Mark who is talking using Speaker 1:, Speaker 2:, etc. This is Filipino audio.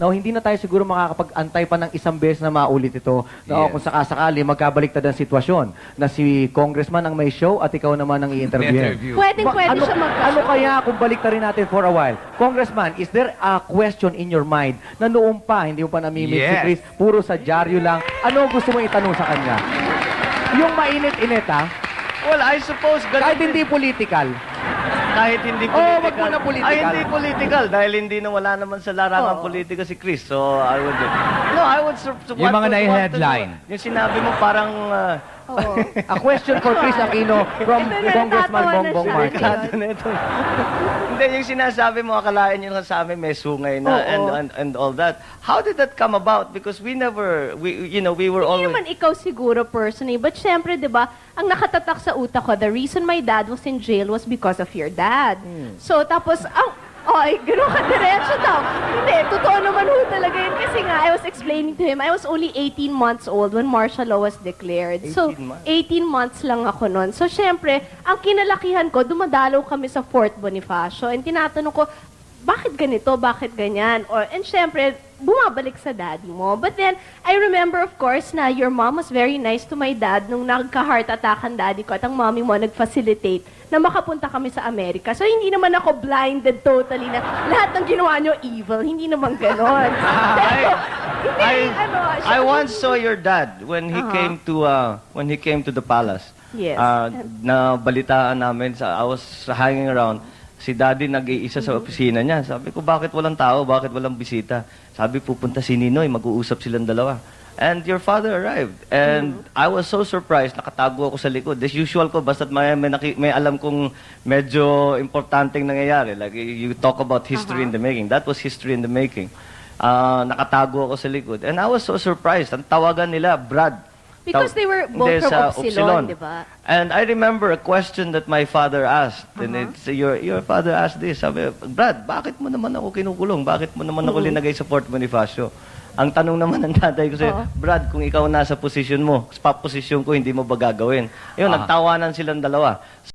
Speaker 1: Now, hindi na tayo siguro makakapag-antay pa ng isang beses na maulit ito. Na kung sakasakali, magkabaliktad ang sitwasyon na si congressman ang may show at ikaw naman ang i-interview.
Speaker 2: Pwede
Speaker 1: ano,
Speaker 2: siya
Speaker 1: ano kaya kung baliktarin natin for a while? Congressman, is there a question in your mind na noong pa, hindi mo pa namimit si Chris, puro sa dyaryo lang, ano gusto mo itanong sa kanya? Yung mainit-init, ha?
Speaker 3: Well, I suppose...
Speaker 1: Kahit hindi political.
Speaker 3: Kahit hindi
Speaker 1: Oh,
Speaker 3: political.
Speaker 1: wag mo na political.
Speaker 3: Ay, hindi political. Dahil hindi na wala naman sa larangan politika si Chris. So, I would... No, I would...
Speaker 4: Yung mga nai-headline.
Speaker 3: Yung sinabi mo parang...
Speaker 1: A question for Chris Aquino from Congressman Bongbong Marcos.
Speaker 3: Hindi, yung sinasabi mo, akalain nyo lang sa amin may sungay na and all that. How did that come about? Because we never... we were
Speaker 2: Hindi
Speaker 3: always...
Speaker 2: naman ikaw siguro personally, but syempre, di ba, ang nakatatak sa utak ko, the reason my dad was in jail was because of your dad. So, tapos, ay, gano'n ka diretso daw. Hindi, totoo naman ho talaga yun. Kasi nga, I was explaining to him, I was only 18 months old when martial law was declared.
Speaker 3: 18
Speaker 2: So,
Speaker 3: months?
Speaker 2: 18 months lang ako noon. So, syempre, ang kinalakihan ko, dumadalaw kami sa Fort Bonifacio. And tinatanong ko, bakit ganito? Bakit ganyan? And syempre, bumabalik sa daddy mo. But then, I remember, of course, na your mom was very nice to my dad nung nagka-heart attack ang daddy ko at ang mommy mo nag-facilitate na makapunta kami sa Amerika. So, hindi naman ako blinded totally na lahat ng ginawa nyo evil. Hindi naman ganon.
Speaker 3: I once saw your dad when he came to the palace.
Speaker 2: Yes.
Speaker 3: Na balitaan namin I was hanging around. Si Daddy nag-iisa sa opisina niya. Sabi ko, bakit walang tao? Bakit walang bisita? Sabi, pupunta si Ninoy, mag-uusap silang dalawa. And your father arrived. And I was so surprised, nakatago ako sa likod. As usual ko, basta't may alam kong medyo importanteng nangyayari. Like, you talk about history in the making. That was history in the making. Nakatago ako sa likod. And I was so surprised. Ang tawagan nila, Brad.
Speaker 2: Because they were both from Upsilon, di ba?
Speaker 3: And I remember a question that my father asked. And it's, your father asked this. Sabi, Brad, bakit mo naman ako kinukulong? Bakit mo naman ako linagay sa Fort Bonifacio? Ang tanong naman ng tatay ko sa'yo, Brad, kung ikaw nasa posisyon mo, sa posisyon ko, hindi mo ba gagawin? Yun, nagtawanan silang dalawa.